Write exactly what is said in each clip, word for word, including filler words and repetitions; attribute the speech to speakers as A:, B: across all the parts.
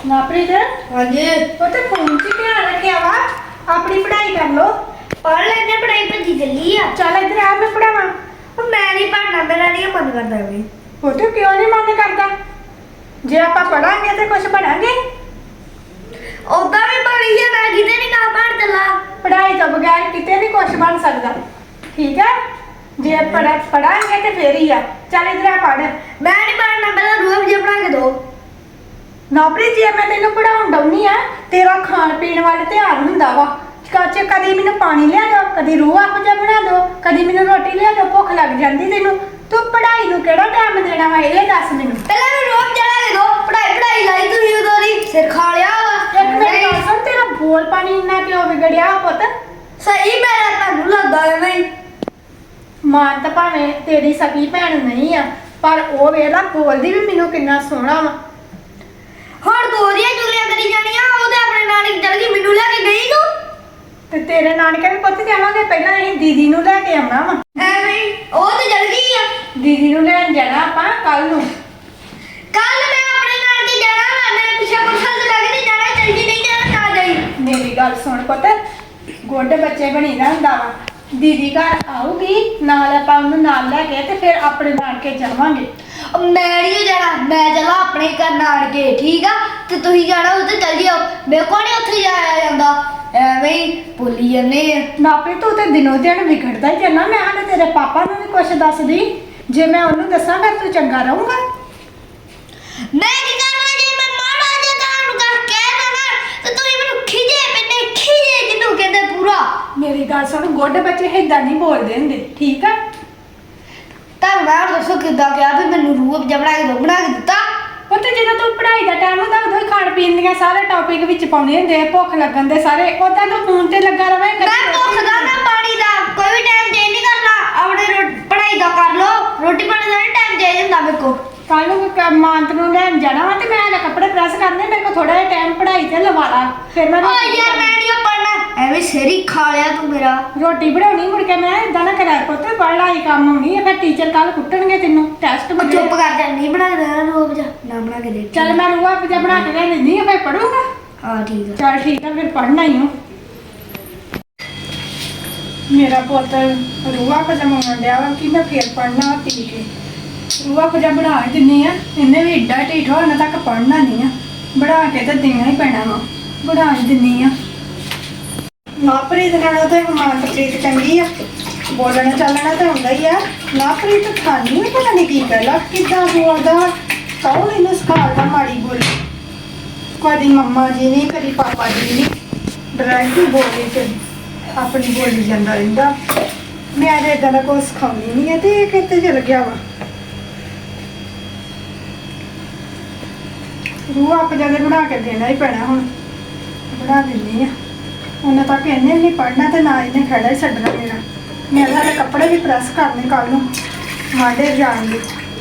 A: नाप्रीत
B: हाँ जी
A: पुत्त फोन च ध्यान रखेआ वा अपनी पढ़ाई कर लो।
B: पढ़ लेने पढ़ाई भजी चली आ।
A: चल इधर आ मैं पढ़ावा।
B: मैं नहीं पढ़ना मेरा नहीं मन करता भी।
A: पुत्त क्यों नहीं मन करता? जे आप पढ़ांगे तो कुछ बनांगे।
B: ओदा भी पढ़ी है मैं किते नहीं कहा पढ़ चला।
A: पढ़ाई तो बगैर किते नहीं कुछ बन सकता। ठीक है जे पढ़ पढ़ांगे तो फिर ही आ। चल इधर आ पढ़।
B: मैं नहीं पढ़ना पहले रूम जे बना के दो।
A: नाप्रीत जे मैं तेन पढ़ाउण डाउनी आ तेरा खाण पीण वाले ध्यान हुंदा वा। कच्चे कदी मैनू पानी लिया दो कदी रूह आपो जा बना दो कदी मैनू रोटी लिया दो भुख लग जांदी तैनू। तू पढ़ाई नू केड़ा टाइम देना वा ये दस मैनू।
B: पहले मैं रूम जला के दो पढ़ाई पढ़ाई लाई तू ही उधर ही सिर खा लिया वा।
A: एक मेरी गल सुन तेरा बोल पानी इन्ना क्यों बिगड़िया पुत्त?
B: सही मेरा तन्नू लगदा है मैं
A: मां तां भावें तेरी सकी भैन नहीं आ पर ओ वेला बोलदी भी मैनू किन्ना सोहना वा।
B: ਹੁਣ ਦੋ ਦੀਆਂ ਚੁਗਲੀਆਂ ਕਰੀ ਜਾਣੀਆਂ ਉਹਦੇ ਆਪਣੇ ਨਾਨਕ ਚਲ ਗਈ ਮੈਨੂੰ ਲੈ ਕੇ ਗਈ ਤੂੰ
A: ਤੇ ਤੇਰੇ ਨਾਨਕੇ ਵੀ ਪੁੱਤ ਜਾਵਾਂਗੇ ਪਹਿਲਾਂ ਅਸੀਂ ਦੀਦੀ ਨੂੰ ਲੈ ਕੇ ਆਉਣਾ ਵਾ।
B: ਐਵੇਂ ਉਹ ਤੇ ਚਲ ਗਈ ਆ।
A: ਦੀਦੀ ਨੂੰ ਲੈਣ ਜਾਣਾ ਆਪਾਂ ਕੱਲ ਨੂੰ।
B: ਕੱਲ ਮੈਂ ਆਪਣੇ ਨਾਨਕੇ ਜਾਣਾ ਵਾ ਮੈਂ ਪਿੱਛੇ ਪੁੱਛਣ ਤੇ ਲੱਗ ਨਹੀਂ ਜਾਣਾ ਚਲ ਗਈ ਨਹੀਂ ਜਾਣਾ ਨਾ ਜਾਈ।
A: ਮੇਰੀ ਗੱਲ ਸੁਣ ਪੁੱਤ ਗੋਡੇ ਬੱਚੇ ਬਣੀ ਦਾ ਹੁੰਦਾ ਵਾ। ਦੀਦੀ ਘਰ ਆਊਗੀ ਨਾਲ ਆਪਾਂ ਉਹਨੂੰ ਨਾਲ ਲੈ ਕੇ ਤੇ ਫਿਰ ਆਪਣੇ ਨਾਨਕੇ ਜਾਵਾਂਗੇ।
B: ਮੈਂ ਨਹੀਂ ਜਾਣਾ ਮੈਂ ਚਲਾ ਆਪਣੇ ਘਰ ਨਾਨਕੇ ਠੀਕ ਆ ਤੇ ਤੁਸੀਂ ਜਾਣਾ ਉੱਥੇ ਚਲ ਜਿਓ ਮੇਰੇ ਕੋਲ ਨਹੀਂ ਉੱਥੇ ਜਾਇਆ ਜਾਂਦਾ ਐਵੇਂ ਹੀ ਭੁੱਲੀ ਜਾਂਦੇ ਆ।
A: ਨਾਪੇ ਤੂੰ ਤੇ ਦਿਨੋਂ ਦਿਨ ਵਿਗੜਦਾ ਹੀ ਜਾਣਾ। ਮੈਂ ਹਾਲੇ ਤੇਰੇ ਪਾਪਾ ਨੂੰ ਵੀ ਕੁਛ ਦੱਸਦੀ ਜੇ ਮੈਂ ਉਹਨੂੰ ਦੱਸਾਂ ਫਿਰ ਤੂੰ ਚੰਗਾ ਰਹੂੰਗਾ।
B: ਮੈਂ ਕੀ ਕਰਨਾ ਜੇ ਮੈਂ ਮਾੜਾ ਜਿਹਾ ਤੁਹਾਨੂੰ ਕਰ ਕਹਿ ਦੇਣਾ ਤੇ ਤੁਸੀਂ ਮੈਨੂੰ ਖਿਜੇ ਪੈਨੇ ਖਿਜੇ ਜਿਹਨੂੰ ਕਹਿੰਦੇ ਪੂਰਾ।
A: ਮੇਰੀ ਗੱਲ ਸੁਣ ਗੋਡੇ ਬੱਚੇ ਏਦਾਂ ਨਹੀਂ ਬੋਲਦੇ ਹੁੰਦੇ ਠੀਕ ਆ।
B: ਤਾਂ ਮੈਂ ਦੱਸੋ ਕਿੱਦਾਂ ਕਿਹਾ ਵੀ ਮੈਨੂੰ ਰੂਹ ਅਫਜ਼ਾ ਬਣਾ ਕੇ ਦੋ ਬਣਾ ਕੇ ਦਿੱਤਾ।
A: ਉਹ ਤੇ ਜਦੋਂ ਤੂੰ ਪੜ੍ਹਾਈ ਦਾ ਟਾਈਮ ਹੁੰਦਾ ਉਦੋਂ ਹੀ ਖਾਣ ਪੀਣ ਦੀਆਂ ਸਾਰੇ ਟੌਪਿਕ ਵਿੱਚ ਪਾਉਣੇ ਹੁੰਦੇ ਆ ਭੁੱਖ ਲੱਗਣ ਦੇ ਸਾਰੇ ਉਦਾਂ ਤੂੰ ਫੋਨ ਤੇ ਲੱਗਾ ਰਵੇਂ।
B: ਮੈਂ ਭੁੱਖ ਦਾ ਨਾ ਪਾਣੀ ਦਾ ਕੋਈ ਵੀ ਟਾਈਮ ਚੇਂਜ ਨਹੀਂ ਕਰਨਾ ਆਪਣੇ ਰੋ- ਪੜ੍ਹਾਈ ਦਾ ਕਰ ਲੋ ਰੋਟੀ ਪਾਣੀ ਦਾ ਨਹੀਂ ਟਾਈਮ ਚੇਂਜ ਹੁੰਦਾ ਮੇਰੇ ਕੋ।
A: ਕੱਲ ਨੂੰ ਮਾਂਤ ਨੂੰ ਲੈਣ ਜਾਣਾ ਵਾ ਤੇ ਮੈਂ ਹਲੇ ਕੱਪੜੇ ਪ੍ਰੈਸ ਕਰਨੇ ਮੇਰੇ ਕੋਲ ਥੋੜਾ ਜਿਹਾ ਟਾਈਮ ਪੜ੍ਹਾਈ ਤੇ ਲਵਾ ਲਾ ਫਿਰ ਮੈਂ
B: ਓ ਯਾਰ ਮੈਂ ਨਹੀਂ ਪੜਨਾ ਐਵੇਂ ਸਿਰ ਖਾ ਲਿਆ ਤੂੰ ਮੇਰਾ।
A: ਰੋਟੀ ਬਣਾਉਣੀ ਮੁੜ ਕੇ ਮੈਂ ਇਦਾਂ ਨਾ ਕਰਿਆ ਪੁੱਤ ਪੜ੍ਹਾਈ ਕੰਮ ਆਉਣੀ ਹੈ ਫਿਰ ਟੀਚਰ ਕੱਲ ਕੁੱਟਣਗੇ ਤੈਨੂੰ ਟੈਸਟ
B: ਉਹ
A: ਬਣੇ।
B: ਚੁੱਪ ਕਰ ਜਾ ਨਹੀਂ ਬਣਾ ਕੇ ਦੇਣਾ ਰੂਹ ਅਫਜ਼ਾ ਨਾ ਬਣਾ ਕੇ ਦੇ।
A: ਚੱਲ ਮੈਂ ਰੂਹਾ ਪਜਾ ਬਣਾ ਕੇ ਲੈ ਲੈਂਦੀ ਆ ਫਿਰ ਪੜੂੰਗਾ।
B: ਹਾਂ ਠੀਕ ਆ
A: ਚੱਲ ਠੀਕ ਆ ਫਿਰ ਪੜ੍ਹਨਾ ਹੀ ਹੋ। ਮੇਰਾ ਪੁੱਤ ਰੂਹਾ ਪਜਾ ਮੰਗਣ ਡਿਆ ਵਾ ਕਿ ਮੈਂ ਫਿਰ ਪੜ੍ਹਨਾ ਪੀ ਕੇ। ਰੂਹਾ ਪਜਾ ਬਣਾ ਹੀ ਦਿੰਨੀ ਆ ਇਹਨੇ ਵੀ ਏਡਾ ਢੀਠ ਹੋਣ ਤੱਕ ਪੜ੍ਹਨਾ ਨਹੀਂ ਆ ਬਣਾ ਕੇ ਤਾਂ ਦੇਣਾ ਹੀ ਪੈਣਾ ਵਾ ਬਣਾ ਹੀ ਦਿੰਨੀ ਆ। ਨਾਪ੍ਰੀਤ ਨਾਲੋਂ ਤਾਂ ਮਾਨਪ੍ਰੀਤ ਚੰਗੀ ਆ ਬੋਲਣਾ ਚੱਲਣਾ ਤਾਂ ਹੁੰਦਾ ਹੀ ਆ। ਨਾਪ੍ਰੀਤ ਖਾਣੀ ਵੀ ਪਤਾ ਨਹੀਂ ਕੀ ਕਰਲਾ ਕਿੱਦਾਂ ਬੋਲਦਾ ਕੌਣ ਇਹਨੂੰ ਸਿਖਾਉਂਦਾ ਮਾੜੀ ਬੋਲੀ। ਕਦੀ ਮੰਮਾ ਜੀ ਨਹੀਂ ਕਦੀ ਪਾਪਾ ਜੀ ਨਹੀਂ ਡਾਇਰੈਕਟ ਹੀ ਬੋਲੀ ਤੇ ਆਪਣੀ ਬੋਲੀ ਜਾਂਦਾ ਰਹਿੰਦਾ। ਮੈਂ ਤਾਂ ਏਦਾਂ ਦਾ ਕੁਛ ਸਿਖਾਉਂਦੀ ਨਹੀਂ ਹੈ ਤੇ ਇਹ ਕਿੱਥੇ ਚਲ ਗਿਆ ਵਾ। ਰੂਹ ਆਪ ਜਦੇ ਬਣਾ ਕੇ ਦੇਣਾ ਹੀ ਪੈਣਾ ਹੁਣ ਬਣਾ ਦਿੰਦੀ ਆ। ਉਹਨਾਂ ਤੱਕ ਇਹਨੇ ਵੀ ਨਹੀਂ ਪੜ੍ਹਨਾ ਤੇ ਨਾ ਇਹਨੇ ਖੜਾ ਹੀ ਛੱਡਣਾ ਮੇਰਾ। ਮੈਂ ਤਾਂ ਹਲੇ ਕੱਪੜੇ ਵੀ ਪ੍ਰੈਸ ਕਰਨੇ ਕੱਲ ਨੂੰ ਵਾਂਡੇ ਜਾਣਗੇ।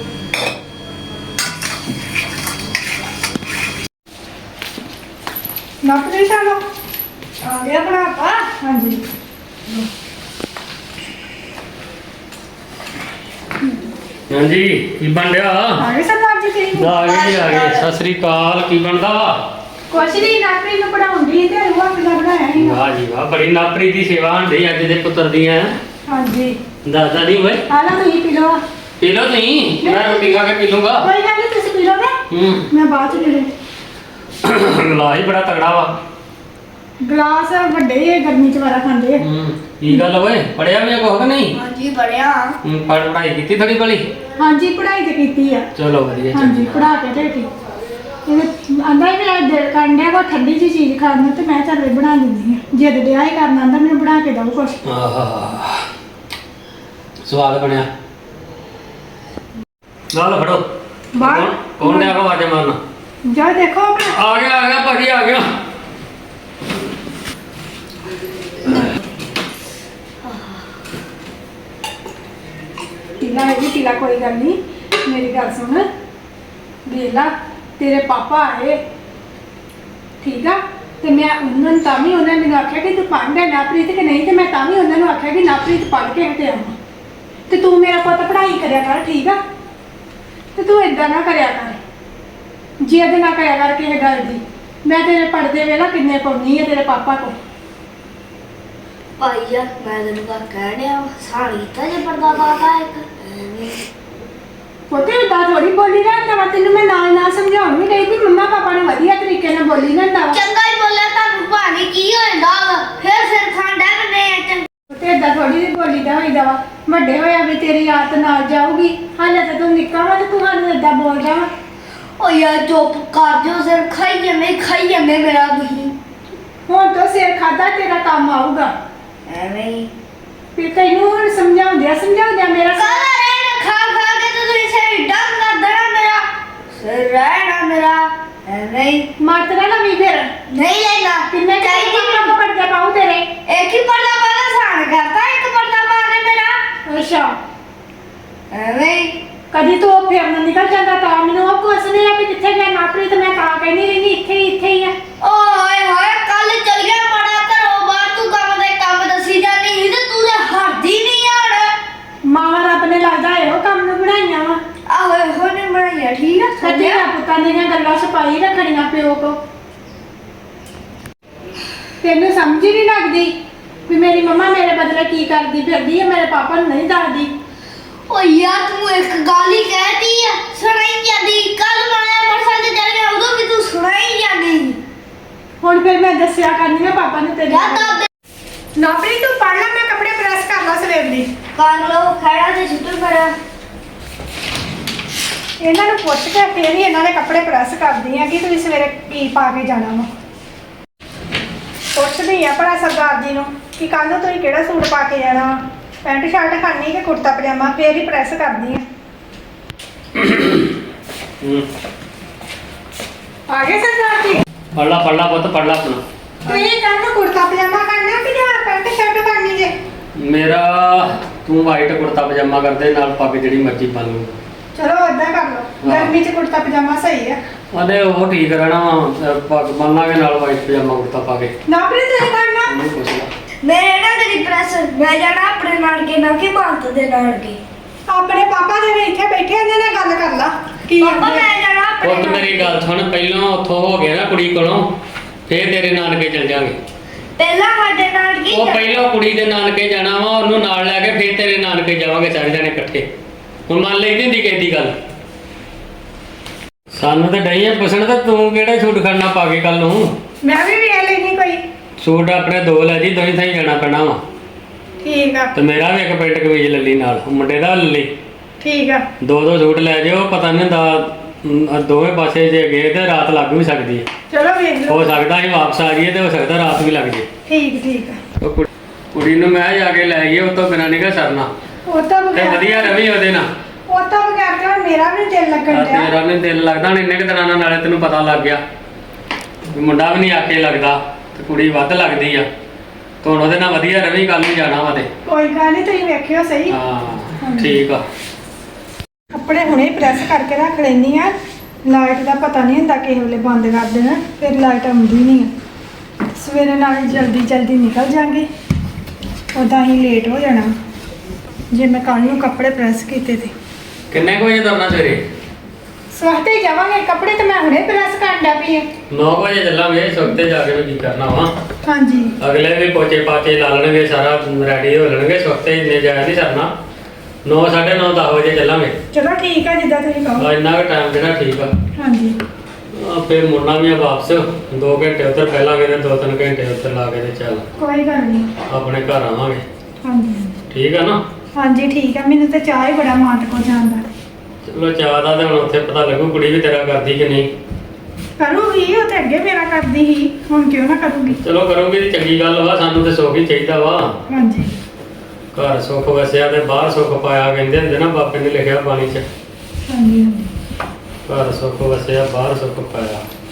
A: ਨਾਪਰੇ ਚਲੋ
B: ਆ ਗਿਆ ਬਣਾ ਪਾ।
A: ਹਾਂਜੀ
C: ਹਾਂਜੀ ਕੀ ਬਣ ਰਿਹਾ
A: ਆ ਗਏ ਸਰਦਾਰ ਜੀ ਤੁਸੀਂ?
C: ਆ ਗਏ ਜੀ, ਆ ਗਏ ਸਤਿ ਸ੍ਰੀ ਅਕਾਲ ਕੀ ਬਣਦਾ ਵਾ
A: ਕੁਛ ਨਹੀਂ ਨਾਪਰੇ ਨੂੰ ਪੜਾਉਂਦੀ ਤੇ ਰੂਹਾ ਪਜਾ ਬਣਾਇਆ ਸੀ।
C: ਵਾਹ ਜੀ ਵਾਹ ਬੜੀ ਨਾਪਰੀ ਦੀ ਸੇਵਾ ਹੁੰਦੀ ਅੱਜ ਦੇ ਪੁੱਤਰ ਦੀਆਂ
A: ਹਾਂਜੀ
C: ਦਾਦਾ ਨਹੀਂ ਓਏ
A: ਆ ਲਓ ਤੁਸੀਂ ਪੀ ਲਓ।
C: ਪੀ ਲਓ ਤੁਸੀਂ ਮੈਂ ਰੋਟੀ ਖਾ ਕੇ ਪੀ ਲੂੰਗਾ।
A: ਕੋਈ ਗੱਲ ਨਹੀਂ ਤੁਸੀਂ ਪੀ ਲੋਗੇ
C: ਹੂੰ
A: ਮੈਂ ਬਾਅਦ ਚ ਪੀ ਲੂੰ।
C: ਗਲਾਸ ਹੀ ਬੜਾ ਤਗੜਾ ਵਾ।
A: ਗਲਾਸ ਵੱਡੇ ਹੀ ਗਰਮੀ ਚ ਵਾਰਾ ਖਾਂਦੇ ਆ।
C: ਹੂੰ ਕੀ ਗੱਲ ਓਏ ਪੜਿਆ ਵੀ ਕੁਛ ਕਿ ਨਹੀਂ?
B: ਹਾਂਜੀ ਬੜਿਆ
C: ਹੂੰ ਪੜ ਪੜਾਈ ਕੀਤੀ ਥੋੜੀ ਬਲੀ?
A: ਹਾਂਜੀ ਪੜ੍ਹਾਈ ਤੇ ਕੀਤੀ ਆ।
C: ਚਲੋ ਵਧੀਆ
A: ਹਾਂਜੀ
C: ਚੰਗਾ।
A: ਪੜਾ ਕੇ ਦੇਖੀ ਇਹ ਆਂਦਾ ਹੀ ਮੇਰਾ ਦਿਲ ਕਰਨ ਡਿਆ ਕੋਈ ਠੰਡੀ ਜਿਹੀ ਚੀਜ਼ ਖਾਣ ਨੂੰ ਤੇ ਮੈਂ ਚੱਲ ਬਣਾ ਦਿੰਦੀ ਆ। ਜਿੱਦ ਡਿਆ ਹੀ ਕਰਨਾ ਆਂਦਾ ਮੈਨੂੰ ਬਣਾ ਕੇ ਦਿਓ ਕੁਛ।
C: ਆਹਾ ਸਵਾਦ ਬਣਿਆ। ਨਾਲ ਫੜੋ
A: ਬਾਹਰ
C: ਕੌਣ- ਕੌਣ ਡਿਆ ਕੋ ਆਜੇ ਮਾਰਨਾ?
A: ਜਾ ਦੇਖੋ ਆਪਣਾ
C: ਆ ਗਿਆ ਆ ਗਿਆ ਭਾਜੀ ਆ ਗਿਆ।
A: ਟੀਲਾ ਹੈ ਜੀ ਟੀਲਾ ਕੋਈ ਗੱਲ ਨਹੀਂ ਮੇਰੀ ਗੱਲ ਸੁਣ ਵੇਲਾ ਤੇਰੇ ਪਾਪਾ ਆਏ ਠੀਕ ਆ ਤੇ ਮੈਂ ਉਹਨਾਂ ਨੂੰ ਤਾਂ ਵੀ ਉਹਨਾਂ ਨੇ ਮੈਨੂੰ ਆਖਿਆ ਕਿ ਤੂੰ ਪੜ੍ਹਦਾ ਨਾਪ੍ਰੀਤ ਕਿ ਨਹੀਂ ਤੇ ਮੈਂ ਤਾਂ ਵੀ ਉਹਨਾਂ ਨੂੰ ਆਖਿਆ ਕਿ ਨਾਪ੍ਰੀਤ ਪੜ੍ਹ ਕੇ ਹਟਿਆ ਆਵਾਂ ਤੇ ਤੂੰ ਮੇਰਾ ਪੁੱਤ ਪੜ੍ਹਾਈ ਕਰਿਆ ਕਰ ਠੀਕ ਆ ਤੇ ਤੂੰ ਏਦਾਂ ਨਾ ਕਰਿਆ ਕਰ ਜਿੱਦ ਨਾ ਕਰਿਆ ਕਰ ਕਿਸੇ ਗੱਲ ਦੀ। ਮੈਂ ਤੇਰੇ ਪੜਦੇ ਵੇਲਾ ਕਿੰਨੇ ਪਾਉਣੀ ਆ ਤੇਰੇ ਪਾਪਾ ਕੋ।
B: ਭਾਈ ਆ ਮੈਂ ਤੈਨੂੰ ਕਾ ਕਹਿ ਰਿਹਾ ਸਾੜੀ ਤਾਂ ਜੇ ਪਰਦਾ ਪਾਤਾ ਇੱਕ ਐਵੇਂ।
A: ਪੁੱਤੇ ਦਾ ਥੋੜੀ ਬੋਲੀ ਰਹਿੰਦਾ ਵਾ, ਤੈਨੂੰ ਮੈਂ ਨਾਲ ਨਾਲ ਸਮਝਾਉਣ ਵੀ ਗਈ ਵੀ ਮੰਮਾ ਪਾਪਾ ਨੂੰ ਵਧੀਆ ਤਰੀਕੇ ਨਾਲ ਬੋਲੀ ਰਹਿੰਦਾ ਵਾ।
B: ਚੰਗਾ ਹੀ ਬੋਲਿਆ ਤੁਹਾਨੂੰ ਭਾਣੀ ਕੀ ਹੋਇਆ ਵਾ ਫਿਰ ਸਿਰ ਖਾਂਡਾ ਬੰਨੇ ਆ ਚੰਗਾ।
A: ਪੁੱਤੇ ਏਦਾਂ ਥੋੜੀ ਜਿਹੀ ਬੋਲੀ ਦਾ ਹੋਈਦਾ ਵਾ, ਵੱਡੇ ਹੋਇਆ ਵੀ ਤੇਰੀ ਆਦਤ ਨਾਲ ਜਾਊਗੀ। ਹਾਲੇ ਤਾਂ ਤੂੰ ਨਿੱਕਾ ਵਾ ਤੇ ਤੂੰ ਸਾਨੂੰ ਏਦਾਂ ਬੋਲਦਾ ਵਾ।
B: ਓ ਯਾਰ ਚੁੱਪ ਕਰ ਦਿਓ ਸਿਰ ਖਾਈ ਜਾਂਦੇ ਖਾਈ ਜਾਂਦੇ ਮੇਰਾ ਤੁਸੀਂ।
A: ਹੁਣ ਤੋਂ ਸਿਰ ਖਾਦਾ ਤੇਰਾ ਕੰਮ ਆਊਗਾ।
B: ਐਵੇਂ ਹੀ
A: ਫਿਰ ਤੈਨੂੰ ਹੁਣ ਸਮਝਾਉਂਦਿਆ ਸਮਝਾਉਂਦਿਆ ਮੇਰਾ ਸਿਰ-
B: ਕਾਲਾ ਰਹਿਣਾ ਖਾ ਖਾ ਕੇ ਤੇ ਤੁਸੀਂ ਸਿਰ ਡੰਗ ਕਰ ਦੇਣਾ ਮੇਰਾ ਸਿਰ ਰਹਿਣਾ ਮੇਰਾ ਐਵੇਂ ਹੀ
A: ਮਾਤਰਾ ਨਾ ਵੀ ਫਿਰ
B: ਨਹੀਂ ਲੈਣਾ
A: ਕਿੰਨੇ
B: ਚਾਹੀਦੀ
A: ਚਾਹੀਦੀ ਮੈਂ ਪੜਦੇ ਪਾਉ ਤੇਰੇ।
B: ਇੱਕ ਹੀ ਪਰਦਾ ਪਾਣਾ ਸਾਨ ਕਰਤਾ ਇੱਕ ਪਰਦਾ ਪਾ ਕੇ ਮੇਰਾ
A: ਅੱਛਾ
B: ਐਵੇਂ ਹੀ
A: ਕਦੀ ਤੂੰ ਉਹ ਫਿਰ ਨਾ ਨਿਕਲ ਜਾਂਦਾ ਤਾਂ ਮੈਨੂੰ ਉਹ ਪੁੱਛਦੇ ਆ ਵੀ ਕਿੱਥੇ ਗਿਆ ਨਾਪਰੀ ਤੇ ਮੈਂ ਤਾਂ ਕਹਿੰਦੀ ਰਹਿੰਦੀ ਇੱਥੇ ਹੀ ਇੱਥੇ ਹੀ ਆ।
B: ਓਏ ਹੋਏ ਕੱਲ ਚਲ ਗਿਆ ਮੜਾ ਘਰੋਂ ਬਾਹਰ ਤੂੰ ਕੰਮ ਦੇ ਕੰਮ ਦੱਸੀ ਜਾਂਦੀ ਸੀ ਤੇ ਤੂੰ ਤਾਂ ਹੱਦੀ ਨਹੀਂ ਯਾਰ।
A: ਮਾਂ ਰੱਬ ਨੇ ਲੱਗਦਾ ਇਹੋ ਕੰਮ ਨੂੰ ਬਣਾਈਆਂ ਵਾ।
B: ਆਹੋ ਇਹੋ ਨੇ ਬਣਾਈਆ ਠੀਕ ਆ
A: ਸੱਚੇ
B: ਸੱਜਿਆ
A: ਪੁੱਤਾਂ ਦੀਆਂ ਗੱਲਾਂ ਛਪਾਈ ਰੱਖਣੀਆਂ ਪਿਓ ਕੋ। ਤੈਨੂੰ ਸਮਝ ਹੀ ਨਹੀਂ ਲੱਗਦੀ ਵੀ ਮੇਰੀ ਮੰਮਾ ਮੇਰੇ ਬਦਲੇ ਕੀ ਕਰਦੀ ਫਿਰਦੀ ਹੈ, ਮੇਰੇ ਪਾਪਾ ਨੂੰ ਨਹੀਂ ਦੱਸਦੀ।
B: ਓ ਯਾਰ ਤੂੰ ਇੱਕ ਗੱਲ ਹੀ ਕਹਿਤੀ ਆ ਸੁਣਾਈ ਜਾਂਦੀ ਕੱਲ ਮਾਇਆ ਮਰਸਾ ਤੇ ਚਲ ਗਿਆ ਉਦੋਂ ਵੀ ਤੂੰ ਸੁਣਾਈ ਜਾਂਦੀ।
A: ਹੁਣ ਫਿਰ ਮੈਂ ਦੱਸਿਆ ਕਰਨੀ ਆ ਪਾਪਾ ਨੂੰ ਤੇਰੇ
B: ਯਾਰ ਤਾਂ
A: ਨਾਪਰੀ ਤੂੰ ਪੜ ਲੈ, ਮੈਂ ਕੱਪੜੇ ਪ੍ਰੈਸ ਕਰ ਲਾ ਸਵੇਰ ਦੀ।
B: ਕਰ ਲੋ ਖੜਾ ਤੇ ਛੁੱਟੂ ਕਰ
A: ਇਹਨਾਂ ਨੂੰ ਪੁੱਛ ਕੇ ਫੇਰ ਹੀ ਇਹਨਾਂ ਦੇ ਕੱਪੜੇ ਪ੍ਰੈਸ ਕਰਦੀ ਆ ਕਿ ਤੁਸੀਂ ਸਵੇਰੇ ਕੀ ਪਾ ਕੇ ਜਾਣਾ ਵਾ। ਪੁੱਛਦੀ ਆ ਭਲਾ ਸਰਦਾਰ ਜੀ ਨੂੰ ਕਿ ਕੱਲ ਨੂੰ ਤੁਸੀਂ ਕਿਹੜਾ ਸੂਟ ਪਾ ਕੇ ਜਾਣਾ, ਪੈਂਟ ਸ਼ਰਟ ਖਾਣੀ ਕਿ ਕੁੜਤਾ ਪਜਾਮਾ, ਫੇਰ ਹੀ ਪ੍ਰੈਸ ਕਰਦੀ ਆ।
C: ਹੂੰ
A: ਆ ਗਏ ਸਰਦਾਰ ਜੀ?
C: ਪੜ ਲਾ ਪੜ ਲਾ ਪੁੱਤ ਪੜ ਲਾ ਆਪਣਾ।
A: ਤੁਸੀਂ ਕੱਲ ਨੂੰ ਕੁੜਤਾ ਪਜਾਮਾ ਕਰਨਾ ਕਿ ਜਾਂ ਪੈਂਟ ਸ਼ਰਟ ਕਰਨੀ ਜੇ?
C: ਮੇਰਾ ਤੂੰ ਵਾਈਟ ਕੁੜਤਾ ਪਜਾਮਾ ਕਰਦੇ ਨਾਲ ਪੱਗ ਜਿਹੜੀ ਮਰਜ਼ੀ ਪਾ ਲੂ।
A: ਚਲੋ ਏਦਾਂ ਕਰ ਲਓ, ਗਰਮੀ 'ਚ ਕੁੜਤਾ ਪਜਾਮਾ ਸਹੀ ਆ।
C: ਉਹਦੇ ਉਹ ਠੀਕ ਰਹਿਣਾ ਵਾ, ਪੱਗ ਬੰਨਾਂਗੇ ਨਾਲ ਵਾਈਟ ਪਜਾਮਾ ਕੁੜਤਾ ਪਾ ਕੇ।
A: ਨਾਪਰੀ ਤੁਸੀਂ ਕਰਨਾ?
C: ਉਹਨੂੰ ਪੁੱਛ ਲਾ।
B: ਮੈਂ ਨਾ ਤੇਰੀ ਪ੍ਰੈਸ ਮੈਂ ਜਾਣਾ ਆਪਣੇ ਨਾਨਕੇ ਨਾ ਕਿ ਮਾਨਤ ਦੇ ਨਾਨਕੇ।
A: ਆਪਣੇ ਪਾਪਾ ਜਿਹੜੇ ਇੱਥੇ ਬੈਠੇ ਇਹਨਾਂ ਨਾਲ ਗੱਲ ਕਰ ਲਾ ਕੀ
B: ਪਾਪਾ
A: ਆਂਦੇ ਆ।
B: ਮੈਂ ਜਾਣਾ ਆਪਣੇ
C: ਪੁੱਤ ਮੇਰੀ ਗੱਲ ਸੁਣ, ਪਹਿਲਾਂ ਉੱਥੋਂ ਹੋ ਗਿਆ ਨਾ ਕੁੜੀ ਕੋਲੋਂ, ਫੇਰ ਤੇਰੇ ਨਾਨਕੇ ਚਲ ਜਾਾਂਗੇ।
B: ਪਹਿਲਾਂ ਸਾਡੇ ਨਾਨਕੇ
C: ਉਹ ਪਹਿਲਾਂ ਕੁੜੀ ਦੇ ਨਾਨਕੇ ਜਾਣਾ ਵਾ, ਉਹਨੂੰ ਨਾਲ ਲੈ ਕੇ ਫੇਰ ਤੇਰੇ ਨਾਨਕੇ ਜਾਵਾਂਗੇ ਸਾਰੇ ਜਣੇ ਇਕੱਠੇ। ਹੁਣ ਮੰਨ ਲਈ ਦੀ ਹੁੰਦੀ ਕਿਸੇ ਦੀ ਗੱਲ। ਸਾਨੂੰ ਤਾਂ ਡਈ ਆ ਪੁੱਛਣ ਤਾਂ ਤੂੰ ਕਿਹੜਾ ਸੂਟ ਖੜਨਾ ਪਾ ਕੇ ਕੱਲ ਨੂੰ।
A: ਮੈਂ ਵੀ ਵੇਖ ਲੈਣੀ ਕੋਈ।
C: ਸੂਟ ਆਪਣੇ ਦੋ ਲੈ ਜੀ, ਦੋਈ ਥਾਈ ਜਾਣਾ ਪੈਣਾ ਵਾ।
A: ਠੀਕ ਆ
C: ਤੇ ਮੇਰਾ ਵੀ ਇੱਕ ਪੈਂਟ ਕਮੀਜ਼ ਲੱਲੀ ਨਾਲ, ਮੁੰਡੇ ਦਾ ਲੱਲੀ।
A: ਠੀਕ ਆ
C: ਦੋ ਦੋ ਸੂਟ ਲੈ ਜਾਓ, ਪਤਾ ਨਹੀਂ ਹੁੰਦਾ ਅਮ, ਦੋਵੇਂ ਪਾਸੇ ਜੇ ਗਏ ਤੇ ਰਾਤ ਲੱਗ ਵੀ ਸਕਦੀ ਹੈ।
A: ਚਲੋ ਵੇਖ ਲਓ।
C: ਹੋ ਸਕਦਾ ਅਸੀਂ ਵਾਪਸ ਆ ਜਾਈਏ ਤੇ ਹੋ ਸਕਦਾ ਰਾਤ ਵੀ ਲੱਗ ਜੇ।
A: ਠੀਕ ਠੀਕ ਆ।
C: ਉਹ ਕੁੜੀ- ਕੁੜੀ ਨੂੰ ਮੈਂ ਜਾ ਕੇ ਲੈ ਗਈ, ਉਹ ਤੋਂ ਬਿਨਾਂ ਨਹੀਂ ਸਰਨਾ।
A: ਉਹ ਤਾਂ
C: ਤੇ
A: ਬਗੈਰ
C: ਵਧੀਆ ਰਵੀ ਉਹਦੇ ਨਾਲ।
A: ਉਹ ਤਾਂ ਬਗੈਰ ਤੇ ਹੁਣ ਮੇਰਾ ਵੀ ਨੀ ਦਿਲ ਲੱਗਣ
C: ਆ
A: ਡਿਆ।
C: ਤੇਰਾ ਨੇ ਦਿਲ ਲੱਗਦਾ ਹੁਣ ਇੰਨੇ ਕੁ ਦਿਨਾਂ ਨਾਲ, ਨਾਲੇ ਤੈਨੂੰ ਪਤਾ ਲੱਗ ਗਿਆ ਵੀ ਮੁੰਡਾ ਵੀ ਨਹੀਂ ਆਕੇ ਲੱਗਦਾ ਤੇ ਕੁੜੀ ਵੱਧ ਲੱਗਦੀ ਆ। ਤੇ ਹੁਣ ਉਹਦੇ ਨਾਲ ਵਧੀਆ ਰਵੀ, ਕੱਲ ਨੂੰ ਜਾਣਾ ਵਾ ਤੇ।
A: ਕੋਈ ਗੱਲ ਨਹੀਂ, ਤੁਸੀਂ ਵੇਖਿਓ ਸਹੀ।
C: ਹਾਂ ਠੀਕ ਆ।
A: ਕੱਪੜੇ ਹੁਣੇ ਪ੍ਰੈਸ ਕਰਕੇ ਰੱਖ ਲੈਣੀ ਆ। ਲਾਈਟ ਦਾ ਪਤਾ ਨਹੀਂ ਹੁੰਦਾ ਕਿਸੇ ਵੇਲੇ ਬੰਦ ਕਰ ਦੇਣਾ, ਫਿਰ ਲਾਈਟ ਆਉਂਦੀ ਨਹੀਂ ਆ। ਸਵੇਰੇ ਨਾਲ ਜਲਦੀ ਜਲਦੀ ਨਿਕਲ ਜਾਾਂਗੇ, ਉਦਾਂ ਹੀ ਲੇਟ ਹੋ ਜਾਣਾ ਜੇ ਮੈਂ ਕੱਲ ਨੂੰ ਕੱਪੜੇ ਪ੍ਰੈਸ ਕੀਤੇ ਤੇ।
C: ਕਿੰਨੇ ਕੁ ਵਜੇ ਤੁਰਨਾ ਸਵੇਰੇ?
A: ਸਵਾਤੇ ਜਾਵਾਂਗੇ, ਕੱਪੜੇ ਤੇ ਮੈਂ ਹੁਣੇ ਪ੍ਰੈਸ ਕਰਨ ਡਿਆ ਪਈ ਆ।
C: ਨੌ ਵਜੇ ਚੱਲਾਂਗੇ, ਸੁੱਤੇ ਜਾ ਕੇ ਵੀ ਕੀ ਕਰਨਾ ਵਾ।
A: ਹਾਂਜੀ
C: ਅਗਲੇ ਵੀ ਪੋਚੇ ਪਾਚੇ ਲਾ ਲੈਣਗੇ, ਸਾਰਾ ਰੈਡੀ ਹੋ ਲੈਣਗੇ। ਸੁੱਤੇ ਇੰਨੇ ਜਾਇਆ ਨਹੀਂ ਸਰਨਾ। ਨੌ ਸਾਢੇ ਨੌ ਦਸ ਵਜੇ ਚੱਲਾਂਗੇ।
A: ਚਲੋ ਠੀਕ ਆ ਜਿੱਦਾਂ ਤੁਸੀਂ ਕਹੋ।
C: ਆ ਇੰਨਾ ਕੁ ਟਾਈਮ ਜਿਹੜਾ ਠੀਕ ਆ।
A: ਹਾਂਜੀ
C: ਆ ਫਿਰ ਮੁੜਨਾ ਵੀ ਆ ਵਾਪਸ। ਦੋ ਘੰਟੇ ਉੱਧਰ ਪਹਿਲਾਂ ਗਏ ਤੇ ਦੋ ਤਿੰਨ ਘੰਟੇ ਉੱਧਰ ਲਾ ਕੇ ਤੇ ਚੱਲ
A: ਕੋਈ ਗੱਲ ਨਹੀਂ।
C: ਆਪਣੇ ਘਰ ਆਵਾਂਗੇ।
A: ਹਾਂਜੀ
C: ਠੀਕ ਆ ਨਾ?
A: ਹਾਂਜੀ ਠੀਕ ਆ। ਮੈਨੂੰ ਤਾਂ ਚਾਹ ਹੀ ਬੜਾ ਮਾਟ ਕੋ ਜਾਂਦਾ।
C: ਚਲੋ ਚਾਹ ਦਾ ਤੇ ਹੁਣ ਉੱਥੇ ਪਤਾ ਲੱਗੂ ਕੁੜੀ ਵੀ ਤੇਰਾ ਕਰਦੀ ਕਿ ਨਹੀਂ।
A: ਕਰੂਗੀ, ਉਹ ਤੇ ਅੱਗੇ ਮੇਰਾ ਕਰਦੀ ਸੀ, ਹੁਣ ਕਿਉਂ ਨਾ ਕਰੂਗੀ।
C: ਚਲੋ ਕਰੋਗੇ ਤੇ ਚੰਗੀ ਗੱਲ ਵਾ, ਸਾਨੂੰ ਤੇ ਸੁੱਖ ਹੀ ਚਾਹੀਦਾ ਵਾ।
A: ਹਾਂਜੀ
C: ਘਰ ਸੁੱਖ ਵਸਿਆ ਤੇ ਬਾਹਰ ਸੁੱਖ ਪਾਇਆ, ਕਹਿੰਦੇ ਹੁੰਦੇ ਨਾ, ਬਾਬੇ ਨੇ ਲਿਖਿਆ ਬਾਣੀ 'ਚ।
A: ਹਾਂਜੀ ਹਾਂਜੀ
C: ਘਰ ਸੁੱਖ ਵਸਿਆ ਬਾਹਰ ਸੁੱਖ ਪਾਇਆ।